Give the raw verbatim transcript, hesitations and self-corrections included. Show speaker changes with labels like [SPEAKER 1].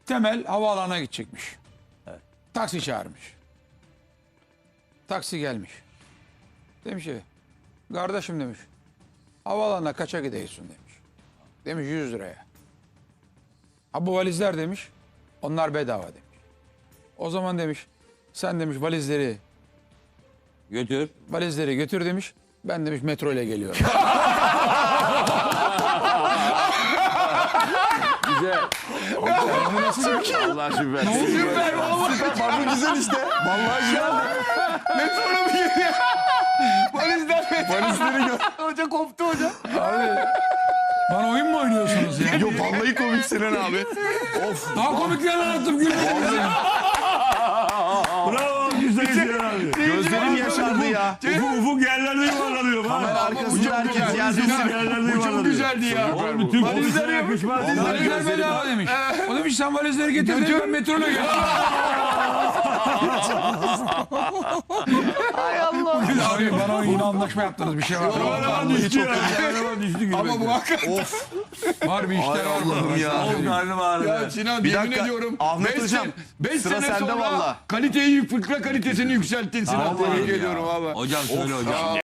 [SPEAKER 1] Temel havaalanına gidecekmiş. Taksi çağırmış. Taksi gelmiş. Demiş ki kardeşim demiş havaalanına kaça gidiyorsun demiş. Demiş yüz liraya. Ha bu valizler demiş onlar bedava demiş. O zaman demiş sen demiş valizleri
[SPEAKER 2] Götür.
[SPEAKER 1] valizleri götür demiş. Ben demiş metro ile geliyorum.
[SPEAKER 2] Güzel.
[SPEAKER 3] Allah süper.
[SPEAKER 4] Süper vallahi. Süper. Bu güzel işte. Vallahi güzel. Metrona mı geliyor? Valizler metrona. Valizleri gör. Hoca koptu hoca.
[SPEAKER 1] Abi bana oyun mu oynuyorsunuz ya?
[SPEAKER 4] Yok vallahi komik Sinan abi. Of.
[SPEAKER 1] Daha komikler anlattım gülmediniz ya.
[SPEAKER 3] Bravo güzel Sinan abi.
[SPEAKER 4] Gözlerim yaşardı ya.
[SPEAKER 3] Ufuk, ufuk yerlerde yuvarlanıyor.
[SPEAKER 4] Kamera
[SPEAKER 3] Bak.
[SPEAKER 4] arkasında herkes yerde.
[SPEAKER 3] Yerlerde yuvarlanıyor.
[SPEAKER 4] güzeldi ya.
[SPEAKER 3] Oğlum bütün valizlere yakışmaz.
[SPEAKER 1] Valizler bedava demiş. O demiş sen valizleri getir demiş ben metro ile geliyorum.
[SPEAKER 4] Hay Allah.
[SPEAKER 1] Abi bana yine anlaşma yaptınız bir şey var.
[SPEAKER 3] Kameraman düştü ya. Kameraman düştü gibi.
[SPEAKER 4] Ama bu hakikaten. Of.
[SPEAKER 1] Var bir işler var.
[SPEAKER 4] Allah'ım ya.
[SPEAKER 3] Of karnım ağrıdı.
[SPEAKER 5] Ya Sinan
[SPEAKER 4] Bir
[SPEAKER 5] yemin
[SPEAKER 4] dakika,
[SPEAKER 5] ediyorum.
[SPEAKER 4] Ahmet
[SPEAKER 5] beş
[SPEAKER 4] hocam,
[SPEAKER 5] sen- beş
[SPEAKER 4] sıra
[SPEAKER 5] sene
[SPEAKER 4] sende
[SPEAKER 5] sonra
[SPEAKER 4] valla.
[SPEAKER 5] kaliteyi, fıkra kalitesini yükselttin Sinan.
[SPEAKER 3] Vallahi
[SPEAKER 5] Tebrik
[SPEAKER 3] ya.
[SPEAKER 5] ediyorum valla.
[SPEAKER 2] Hocam söyle hocam.